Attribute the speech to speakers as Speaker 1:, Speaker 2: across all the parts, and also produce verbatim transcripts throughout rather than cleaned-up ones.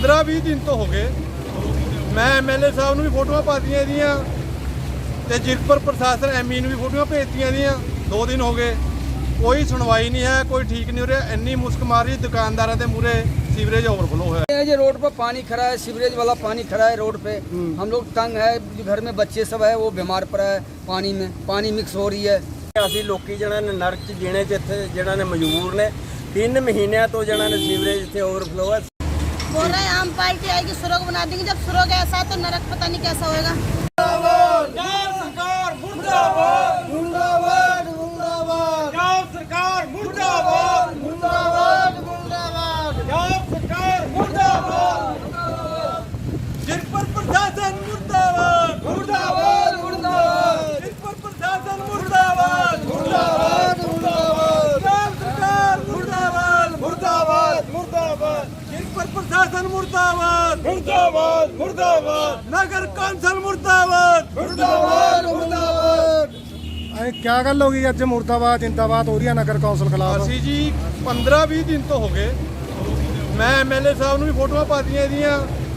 Speaker 1: पंद्रह भी दिन तो हो गए। मैं एम एल ए साहब ਨੂੰ ਵੀ ਫੋਟੋਆਂ ਪਾਤੀਆਂ ਇਹਦੀਆਂ ਤੇ ਜਿਰਕਪੁਰ ਪ੍ਰਸ਼ਾਸਨ ਐਮਈ ਨੂੰ ਵੀ ਫੋਟੋਆਂ ਭੇਜਤੀਆਂ ਇਹਦੀਆਂ। दो दिन हो गए, कोई सुनवाई नहीं है, कोई ठीक नहीं हो रहा। इन्नी मुश्क मार रही दुकानदारों के मूहरे सीवरेज ओवरफ्लो है।
Speaker 2: ये रोड पर पानी खड़ा है, सीवरेज वाला पानी खड़ा है रोड पे। हम लोग तंग है, घर में बच्चे सब है वो बीमार पड़ा है, पानी में पानी मिक्स हो रही है।
Speaker 3: ਅਸੀਂ ਲੋਕੀ ਜਿਹਨਾਂ ਨੇ ਨਰਕ ਚ ਜੀਣੇ ਚ ਇੱਥੇ ਜਿਹਨਾਂ ਨੇ ਮਜਬੂਰ ਨੇ तीन महीनों तो ਜਿਹਨਾਂ ਨੇ ਸੀਵਰੇਜ ਇੱਥੇ ओवरफ्लो है।
Speaker 4: बोल रहे हैं आम पार्टी आएगी, सुरंग बना देंगे। जब सुरंग ऐसा तो नरक पता नहीं कैसा होएगा।
Speaker 1: जिरकपुर प्रशासन मुर्दाबाद, मुर्दाबाद, मुर्दाबाद। जिरकपुर प्रशासन मुर्दाबाद, मुर्दाबाद, मुर्दाबाद। सरकार मुर्दाबाद, मुर्दाबाद, मुर्दाबाद। जिरकपुर प्रशासन मुर्दाबाद, मुर्दाबाद, मुर्दाबाद। नगर कौंसिल मुर्दाबाद, मुर्दाबाद, मुर्दाबाद।
Speaker 5: क्या गल होगी अज मुर्दाबाद जिंदाबाद हो रही है नगर कौंसिल खिलाफ?
Speaker 1: ਅਸੀਂ ਜੀ पंद्रह भी दिन तो हो गए। मैं एम एल ए साहब ਨੂੰ ਵੀ ਫੋਟੋਆਂ ਪਾਤੀਆਂ ਇਹਦੀਆਂ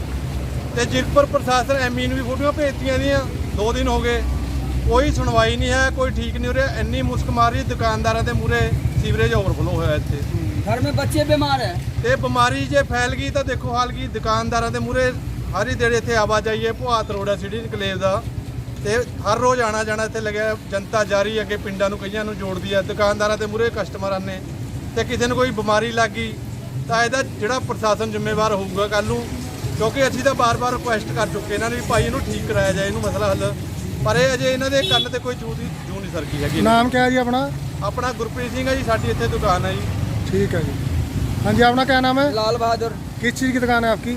Speaker 1: ਤੇ ਜਿਰਕਪੁਰ ਪ੍ਰਸ਼ਾਸਨ ਐਮਈ ਨੂੰ ਵੀ ਫੋਟੋਆਂ ਭੇਜਤੀਆਂ ਇਹਦੀਆਂ। दो दिन हो गए, कोई सुनवाई नहीं है, कोई ठीक नहीं हो रहा। इन्नी मुश्क मार रही दुकानदारों के मूहरे सीवरेज ओवरफ्लो होया ਇੱਥੇ।
Speaker 2: घर में बच्चे बीमार है
Speaker 1: ਤੇ ਬਿਮਾਰੀ ਜੇ ਫੈਲ ਗਈ ਤਾਂ ਦੇਖੋ ਹਾਲ ਕੀ ਦੁਕਾਨਦਾਰਾਂ ਦੇ ਮੂਹਰੇ ਹਰ ਹੀ ਦੇਰ ਇੱਥੇ ਆਵਾਜਾਈ ਹੈ। ਭੁਆਤ ਰੋਡ ਹੈ ਸਿਟੀ ਇਨਕਲੇਵ ਦਾ ਤੇ ਹਰ ਰੋਜ਼ ਆਣਾ ਜਾਣਾ ਇੱਥੇ ਲੱਗਿਆ। ਜਨਤਾ ਜਾਰੀ ਅੱਗੇ ਪਿੰਡਾਂ ਨੂੰ ਕਈਆਂ ਨੂੰ ਜੋੜਦੀ ਹੈ। ਦੁਕਾਨਦਾਰਾਂ ਦੇ ਮੂਹਰੇ ਕਸਟਮਰਾਂ ਨੇ ਤੇ ਕਿਸੇ ਨੂੰ ਕੋਈ ਬਿਮਾਰੀ ਲੱਗ ਗਈ ਤਾਂ ਇਹਦਾ ਜਿਹੜਾ ਪ੍ਰਸ਼ਾਸਨ ਜ਼ਿੰਮੇਵਾਰ ਹੋਊਗਾ ਕੱਲ ਨੂੰ। ਕਿਉਂਕਿ ਅਸੀਂ ਤਾਂ ਬਾਰ-ਬਾਰ ਰਿਕੁਐਸਟ ਕਰ ਚੁੱਕੇ ਇਹਨਾਂ ਨੇ ਵੀ ਭਾਈ ਇਹਨੂੰ ਠੀਕ ਕਰਾਇਆ ਜਾਏ, ਇਹਨੂੰ ਮਸਲਾ ਹੱਲ। ਪਰ ਇਹ ਅਜੇ ਇਹਨਾਂ ਦੇ ਕੰਨ ਤੇ ਕੋਈ ਚੂਹ ਦੀ ਜੂ ਨਹੀਂ ਸਰਕੀ ਹੈਗੀ।
Speaker 5: ਨਾਮ ਕਿਆ ਜੀ ਆਪਣਾ?
Speaker 1: ਆਪਣਾ ਗੁਰਪ੍ਰੀਤ ਸਿੰਘ ਹੈ ਜੀ, ਸਾਡੀ ਇੱਥੇ ਦੁਕਾਨ ਹੈ ਜੀ।
Speaker 5: ठीक है जी। हाँ जी, अपना क्या नाम है?
Speaker 2: लाल बहादुर।
Speaker 5: किस चीज़ की दुकान है आपकी?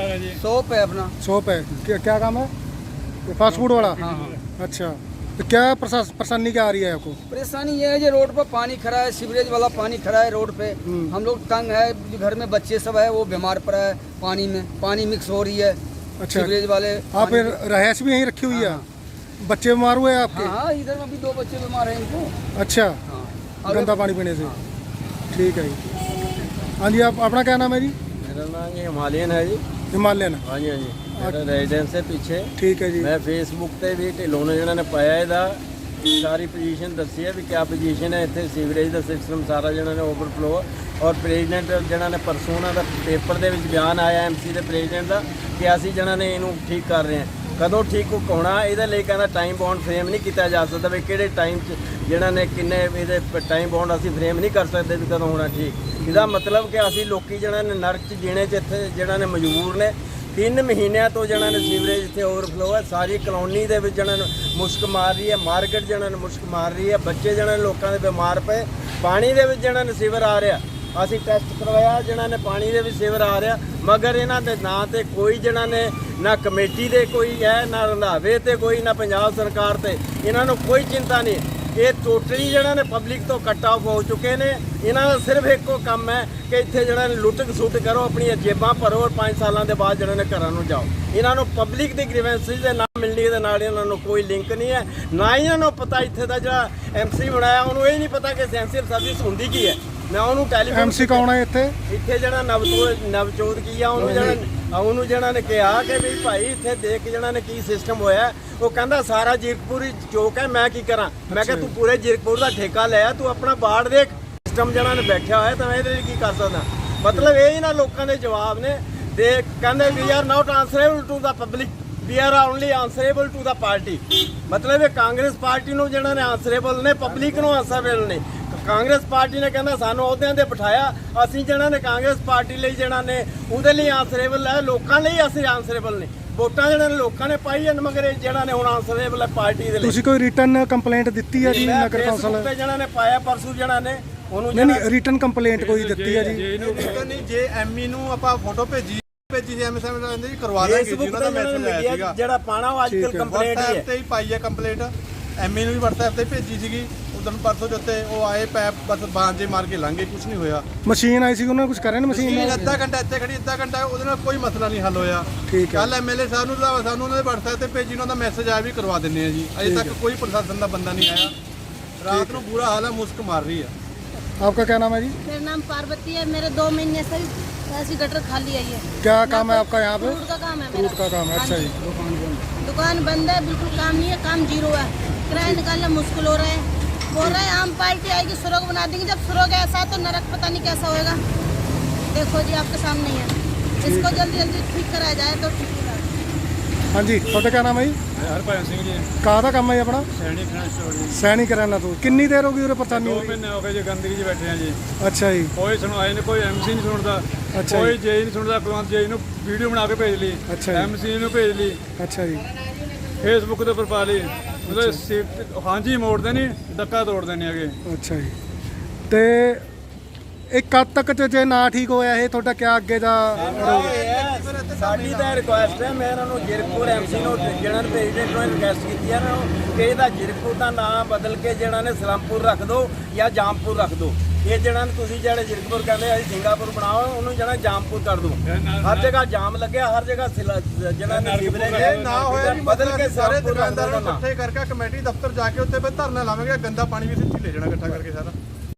Speaker 2: शॉप है अपना।
Speaker 5: शॉप है। क्या, क्या काम है? ये फास्ट फूड वाला?
Speaker 2: हाँ हाँ।
Speaker 5: अच्छा, तो क्या प्रशास- परेशानी क्या आ रही है आपको?
Speaker 2: परेशानी ये है जो रोड पर पानी खड़ा है, सीवरेज वाला पानी खड़ा है रोड पे। हम लोग तंग है, घर में बच्चे सब है वो बीमार पड़ा है, पानी में पानी मिक्स हो रही है।
Speaker 5: अच्छा,
Speaker 2: सीवरेज वाले
Speaker 5: आप फिर रहायश भी यहीं रखी हुई है? बच्चे बीमार हुए हैं आपके?
Speaker 2: हाँ हाँ, इधर में भी दो बच्चे बीमार हैं इनको।
Speaker 5: अच्छा,
Speaker 2: हाँ
Speaker 5: गंदा पानी पीने से। ठीक है जी। हाँ जी, आप अपना क्या नाम है जी?
Speaker 3: मेरा नाम ये हिमालयन है जी।
Speaker 5: हिमालयन।
Speaker 3: हाँ जी, हाँ जी। मेरा रेजिडेंस है पीछे।
Speaker 5: ठीक है जी।
Speaker 3: मैं फेसबुक ਤੇ ਵੀ ਢਿੱਲੋਂ ਨੇ ਜਿਹਨਾਂ ਨੇ ਪਾਇਆ ਇਹਦਾ ਸਾਰੀ ਪੋਜੀਸ਼ਨ ਦੱਸੀ ਹੈ ਵੀ ਕਿਆ ਪੋਜੀਸ਼ਨ ਹੈ ਇੱਥੇ ਸੀਵਰੇਜ ਦਾ ਸਿਸਟਮ ਸਾਰਾ ਜਿਹਨਾਂ ਨੇ ਓਵਰਫਲੋ। ਔਰ ਪ੍ਰੈਜ਼ੀਡੈਂਟ ਜਿਹਨਾਂ ਨੇ ਪਰਸੋਂ ਉਹਨਾਂ ਦਾ ਪੇਪਰ ਦੇ ਵਿੱਚ ਬਿਆਨ ਆਇਆ ਐਮਸੀ ਦੇ ਪ੍ਰੈਜ਼ੀਡੈਂਟ ਦਾ ਕਿ ਅਸੀਂ ਜਿਹਨਾਂ ਨੇ ਇਹਨੂੰ ਠੀਕ ਕਰ ਰਹੇ ਹਾਂ। ਕਦੋਂ ਠੀਕ ਹੋਣਾ ਇਹਦੇ ਲਈ ਕਹਿੰਦਾ ਟਾਈਮ ਬਾਉਂਡ ਫਰੇਮ ਨਹੀਂ ਕੀਤਾ ਜਾ ਸਕਦਾ ਵੀ ਕਿਹੜੇ ਟਾਈਮ 'ਚ ਜਿਹਨਾਂ ਨੇ ਕਿੰਨੇ ਇਹਦੇ ਟਾਈਮ ਬਾਉਂਡ ਅਸੀਂ ਫਰੇਮ ਨਹੀਂ ਕਰ ਸਕਦੇ ਵੀ ਕਦੋਂ ਹੋਣਾ ਠੀਕ। ਇਹਦਾ ਮਤਲਬ ਕਿ ਅਸੀਂ ਲੋਕੀ ਜਿਹਨਾਂ ਨੇ ਨਰਕ 'ਚ ਜੀਣੇ 'ਚ ਇੱਥੇ ਜਿਹਨਾਂ ਨੇ ਮਜਬੂਰ ਨੇ। तीन महीनों तो ਜਿਹਨਾਂ ਨੇ ਸੀਵਰੇਜ ਇੱਥੇ ओवरफ्लो है। सारी कॉलोनी ਦੇ ਵਿੱਚ ਜਿਹਨਾਂ ਨੂੰ ਮੁਸ਼ਕ ਮਾਰ ਰਹੀ ਹੈ, ਮਾਰਕੀਟ ਜਿਹਨਾਂ ਨੂੰ ਮੁਸ਼ਕ ਮਾਰ ਰਹੀ ਹੈ, ਬੱਚੇ ਜਿਹਨਾਂ ਨੇ ਲੋਕਾਂ ਦੇ ਬਿਮਾਰ ਪਏ। ਪਾਣੀ ਦੇ ਵਿੱਚ ਜਿਹਨਾਂ ਨੇ ਸੀਵਰ ਆ ਰਿਹਾ, ਅਸੀਂ ਟੈਸਟ ਕਰਵਾਇਆ ਜਿਹਨਾਂ ਨੇ ਪਾਣੀ ਦੇ ਵਿੱਚ ਸੀਵਰ ਆ ਰਿਹਾ, ਮਗਰ ਇਹਨਾਂ ਦੇ ਨਾਂ ਤੇ ਕੋਈ ਜਿਹਨਾਂ ਨੇ ਨਾ ਕਮੇਟੀ ਦੇ ਕੋਈ ਹੈ, ਨਾ ਰੰਧਾਵੇ ਤੇ ਕੋਈ, ਨਾ ਪੰਜਾਬ ਸਰਕਾਰ ਤੇ ਇਹਨਾਂ ਨੂੰ ਕੋਈ ਚਿੰਤਾ ਨਹੀਂ। ਇਹ ਟੋਟਲੀ ਜਿਹਨਾਂ ਨੇ ਪਬਲਿਕ ਤੋਂ ਕੱਟ ਆਫ ਹੋ ਚੁੱਕੇ ਨੇ। ਇਹਨਾਂ ਦਾ ਸਿਰਫ ਇੱਕੋ ਕੰਮ ਹੈ ਕਿ ਇੱਥੇ ਜਿਹੜਾ ਨੇ ਲੁੱਟ ਖਸੁੱਟ ਕਰੋ, ਆਪਣੀਆਂ ਜੇਬਾਂ ਭਰੋ ਔਰ ਪੰਜ ਸਾਲਾਂ ਦੇ ਬਾਅਦ ਜਿਹੜਾ ਨੇ ਘਰਾਂ ਨੂੰ ਜਾਓ। ਇਹਨਾਂ ਨੂੰ ਪਬਲਿਕ ਦੀ ਗ੍ਰੀਵੈਂਸਿਸ ਦੇ ਨਾ ਮਿਲਣੀ ਦੇ ਨਾਲ ਇਹਨਾਂ ਨੂੰ ਕੋਈ ਲਿੰਕ ਨਹੀਂ ਹੈ। ਨਾ ਇਹਨਾਂ ਨੂੰ ਪਤਾ ਇੱਥੇ ਦਾ ਜਿਹੜਾ ਐਮਸੀ ਬਣਾਇਆ ਉਹਨੂੰ ਇਹ ਨਹੀਂ ਪਤਾ ਕਿ ਸੈਂਸਿਟਿਵ ਸਰਵਿਸ ਹੁੰਦੀ ਕੀ ਹੈ। ਮੈਂ ਉਹਨੂੰ ਟੈਲੀਫੋਨ
Speaker 5: ਐਮਸੀ ਕੌਣ ਹੈ ਇੱਥੇ?
Speaker 3: ਇੱਥੇ ਜਿਹੜਾ ਨਵਜੋਤ ਨਵਜੋਤ ਕੀ ਆ ਉਹਨੂੰ ਜਿਹੜਾ ਉਹਨੂੰ ਜਿਹੜਾ ਨੇ ਕਿਹਾ ਕਿ ਵੀ ਭਾਈ ਇੱਥੇ ਦੇਖ ਜਿਹੜਾ ਨੇ ਕੀ ਸਿਸਟਮ ਹੋਇਆ। ਉਹ ਕਹਿੰਦਾ ਸਾਰਾ ਜੀਰਕਪੁਰ ਹੀ ਚੌਕ ਹੈ, ਮੈਂ ਕੀ ਕਰਾਂ। ਮੈਂ ਕਿਹਾ ਤੂੰ ਪੂਰੇ ਜੀਰਕਪੁਰ ਦਾ ਠੇਕਾ ਲਿਆ, ਤੂੰ ਆਪਣਾ ਬਾੜ ਦੇਖ ਸਿਸਟਮ ਜਿਹੜਾ ਨੇ ਬੈਠਿਆ ਹੋਇਆ ਤਾਂ ਮੈਂ ਇਹਦੇ ਲਈ ਕੀ ਕਰ ਸਕਦਾ। ਮਤਲਬ ਇਹ ਹੀ ਨਾ ਲੋਕਾਂ ਦੇ ਜਵਾਬ ਨੇ ਦੇ ਕਹਿੰਦੇ we are not answerable to the public, we are only answerable to the party. ਮਤਲਬ ਇਹ ਕਾਂਗਰਸ ਪਾਰਟੀ ਨੂੰ ਜਿਹੜਾ ਨੇ ਆਨਸਰੇਬਲ ਨੇ, ਪਬਲਿਕ ਨੂੰ ਆਨਸਰੇਬਲ ਨੇ। ਕਾਂਗਰਸ ਪਾਰਟੀ ਨੇ ਕਹਿੰਦਾ ਸਾਨੂੰ ਅਹੁਦਿਆਂ ਤੇ ਬਿਠਾਇਆ, ਅਸੀਂ ਜਿਹੜਾ ਨੇ ਕਾਂਗਰਸ ਪਾਰਟੀ ਲਈ ਜਿਹੜਾ ਨੇ ਉਹਦੇ ਲਈ ਆਨਸਰੇਬਲ ਹੈ, ਲੋਕਾਂ ਲਈ ਅਸੀਂ ਆਨਸਰੇਬਲ ਨੇ। ਵੋਟਾਂ ਜਿਹੜੇ ਨੇ ਲੋਕਾਂ ਨੇ ਪਾਈ ਹਨ, ਮਗਰ ਇਹ ਜਿਹੜਾ ਨੇ ਹੁਣ ਆਨਸਰੇਬਲ ਹੈ ਪਾਰਟੀ ਦੇ ਲਈ।
Speaker 5: ਤੁਸੀਂ ਕੋਈ ਰਿਟਨ ਕੰਪਲੇਂਟ ਦਿੱਤੀ ਹੈ ਜੀ ਨਗਰ ਕੌਂਸਲ
Speaker 3: ਤੇ ਜਿਹੜਾ ਨੇ ਪਾਇਆ ਪਰਸੂ ਜਿਹੜਾ ਨੇ ਉਹਨੂੰ
Speaker 5: ਨਹੀਂ ਨਹੀਂ ਰਿਟਨ ਕੰਪਲੇਂਟ ਕੋਈ ਦਿੱਤੀ ਹੈ ਜੀ?
Speaker 1: ਨਹੀਂ, ਜੇ ਐਮਈ ਨੂੰ ਆਪਾਂ ਫੋਟੋ ਭੇਜੀ ਭੇਜੀ ਸੀ ਐਮਐਸਐਮ ਕਹਿੰਦੇ ਜੀ ਕਰਵਾ ਦਾਂਗੇ ਜੀ। ਉਹਨਾਂ ਦਾ ਮੈਸੇਜ ਆਇਆ ਸੀਗਾ
Speaker 3: ਜਿਹੜਾ ਪਾਣਾ ਉਹ ਅੱਜਕੱਲ ਕੰਪਲੇਂਟ ਹੀ ਹੈ
Speaker 1: ਤੇ ਹੀ ਪਾਈ ਹੈ ਕੰਪਲੇਂਟ। ਐਮਈ ਨੂੰ ਵੀ WhatsApp ਤੇ ਭੇਜੀ ਸੀਗੀ ਉਦੋਂ ਪਰਸੋਂ ਜੁੱਤੇ। ਉਹ ਆਏ ਪੈਪ ਬਸ ਬਾਂਝੇ ਮਾਰ ਕੇ ਲੰਘੇ, ਕੁਝ ਨਹੀਂ ਹੋਇਆ।
Speaker 5: ਮਸ਼ੀਨ ਆਈ ਸੀ ਉਹਨਾਂ ਨੇ ਕੁਝ ਕਰਿਆ ਨਾ ਮਸ਼ੀਨ ਨਾਲ?
Speaker 1: ਅੱਧਾ ਘੰਟਾ ਇੱਥੇ ਖੜੀ, ਅੱਧਾ ਘੰਟਾ ਉਹਦੇ ਨਾਲ ਕੋਈ ਮਸਲਾ ਨਹੀਂ ਹੱਲ ਹੋਇਆ।
Speaker 5: ਠੀਕ ਹੈ।
Speaker 1: ਕੱਲ ਐਮਐਲਏ ਸਾਹਿਬ ਨੂੰ ਸਾਨੂੰ ਉਹਨਾਂ ਦੇ WhatsApp ਤੇ ਭੇਜੀ, ਉਹਨਾਂ ਦਾ ਮੈਸੇਜ ਆਇਆ ਵੀ ਕਰਵਾ ਦਿੰਦੇ ਆ ਜੀ। ਅਜੇ ਤੱਕ ਕੋਈ ਪ੍ਰਸ਼ਾਸਨ ਦਾ ਬੰਦਾ ਨਹੀਂ ਆਇਆ। ਰਾਤ ਨੂੰ ਬੁਰਾ ਹਾਲ ਹੈ, ਮੁਸ਼ਕ ਮਾਰ ਰਹੀ ਹੈ।
Speaker 5: आपका क्या नाम है जी?
Speaker 4: मेरा नाम पार्वती है। मेरे दो महीने से ऐसी गटर खाली है ये।
Speaker 5: क्या काम है आपका यहाँ पे?
Speaker 4: फ्रूट का काम है
Speaker 5: फ्रूट
Speaker 4: मेरा।
Speaker 5: का काम है,
Speaker 4: हाँ
Speaker 5: अच्छा
Speaker 4: जी।
Speaker 5: जी।
Speaker 4: दुकान बंद है, बिल्कुल काम नहीं है, काम जीरो है, किराया निकालना मुश्किल हो रहा है। बोल रहे हैं आम पार्टी आएगी सुरग बना देंगे, जब सुरग ऐसा तो नरक पता नहीं कैसा होएगा। देखो जी आपके सामने ही है, इसको जल्दी जल्दी ठीक कराया जाए तो ठीक होगा।
Speaker 5: हाँ जी, ਤੁਹਾਡਾ क्या नाम है जी?
Speaker 6: ਹਰਭਜਨ ਸਿੰਘ ਜੀ
Speaker 5: ਕਾਹਦਾ ਕੰਮ ਹੈ ਜੀ ਆਪਣਾ?
Speaker 6: ਸੈਣੀ ਫਰੈਂਚ ਸਟੋਰ ਜੀ
Speaker 5: ਸੈਣੀ ਕਰਿਆਨਾ ਤੋਂ। ਕਿੰਨੀ ਦੇਰ ਹੋ ਗਈ ਉਰੇ ਪਰੇਸ਼ਾਨੀ
Speaker 6: ਦੋ
Speaker 5: ਹੋ ਰਹੀ?
Speaker 6: ਮਹੀਨੇ ਹੋ ਗਏ ਜੀ ਗੰਦਗੀ 'ਚ ਬੈਠੇ ਆ ਜੀ
Speaker 5: ਅੱਛਾ ਜੀ,
Speaker 6: ਕੋਈ ਸੁਣਵਾਈ ਨਹੀਂ ਕੋਈ ਐਮਸੀ ਨਹੀਂ ਸੁਣਦਾ
Speaker 5: ਅੱਛਾ
Speaker 6: ਕੋਈ
Speaker 5: ਜੀ।
Speaker 6: ਜੇਈ ਨਹੀਂ ਸੁਣਦਾ ਕੁਲਵੰਤ ਜੇਈ ਨੂੰ ਵੀਡੀਓ ਬਣਾ ਕੇ ਭੇਜ ਲਈ
Speaker 5: ਅੱਛਾ ਜੀ।
Speaker 6: ਐਮਸੀ ਨੂੰ ਭੇਜ ਲਈ
Speaker 5: ਅੱਛਾ ਜੀ,
Speaker 6: ਫੇਸਬੁੱਕ ਦੇ ਉੱਪਰ ਪਾ ਲਈ ਮਤਲਬ ਸੀਟ ਹਾਂਜੀ ਮੋੜਦੇ ਨਹੀਂ ਡੱਕਾ ਤੋੜਦੇ ਨਹੀਂ ਹੈਗੇ
Speaker 5: ਅੱਛਾ ਜੀ। ਤੇ ਇਹ ਕਦ ਤੱਕ ਚ ਜੇ ਨਾ ਠੀਕ ਹੋਇਆ ਇਹ ਤੁਹਾਡਾ ਕਿਆ ਅੱਗੇ ਦਾ?
Speaker 3: ਸਾਡੀ ਤਾਂ ਰਿਕੁਐਸਟ ਹੈ, ਮੈਂ ਇਹਨਾਂ ਨੂੰ ਜਿਰਕਪੁਰ ਐਮਸੀ ਨੂੰ ਜਿਹੜਾ ਪ੍ਰੈਜ਼ੀਡੈਂਟ ਨੂੰ ਰਿਕੁਐਸਟ ਕੀਤੀ ਹੈ ਇਹਨਾਂ ਨੂੰ ਕਿ ਇਹਦਾ ਜਿਰਕਪੁਰ ਦਾ ਨਾਮ ਬਦਲ ਕੇ ਜਿਹੜਾ ਨੇ ਸਲਮਪੁਰ ਰੱਖ ਦਿਓ ਜਾਂ ਜਾਮਪੁਰ ਰੱਖ ਦਿਓ। ਇਹ ਜਿਹੜਾ ਨੇ ਤੁਸੀਂ ਜਿਹੜੇ ਜਿਰਕਪੁਰ ਕਹਿੰਦੇ ਅਸੀਂ ਸਿੰਗਾਪੁਰ ਬਣਾਓ, ਉਹਨੂੰ ਜਿਹੜਾ ਜਾਮਪੁਰ ਕਰ ਦਿਓ। ਹਰ ਜਗ੍ਹਾ ਜਾਮ ਲੱਗਿਆ, ਹਰ ਜਗ੍ਹਾ ਸਿਲਾ- ਜਿਹੜਾ ਨੇ ਸੀਵਰੇਜ
Speaker 1: ਇਹ ਨਾ ਹੋਇਆ ਜੀ
Speaker 3: ਬਦਲ ਕੇ
Speaker 1: ਸਾਰੇ
Speaker 3: ਸਲਮਪੁਰ ਰੱਖ
Speaker 1: ਦੁਕਾਨਦਾਰਾਂ ਨੂੰ
Speaker 3: ਦਿਓ।
Speaker 1: ਇਕੱਠੇ ਕਰਕੇ ਕਮੇਟੀ ਦਫ਼ਤਰ ਜਾ ਕੇ ਉੱਥੇ ਫਿਰ ਧਰਨਾ ਲਾਵਾਂਗੇ, ਗੰਦਾ ਪਾਣੀ ਵੀ ਇੱਥੇ ਲੈ ਜਾਣਾ ਇਕੱਠਾ ਕਰਕੇ ਸਾਰਾ।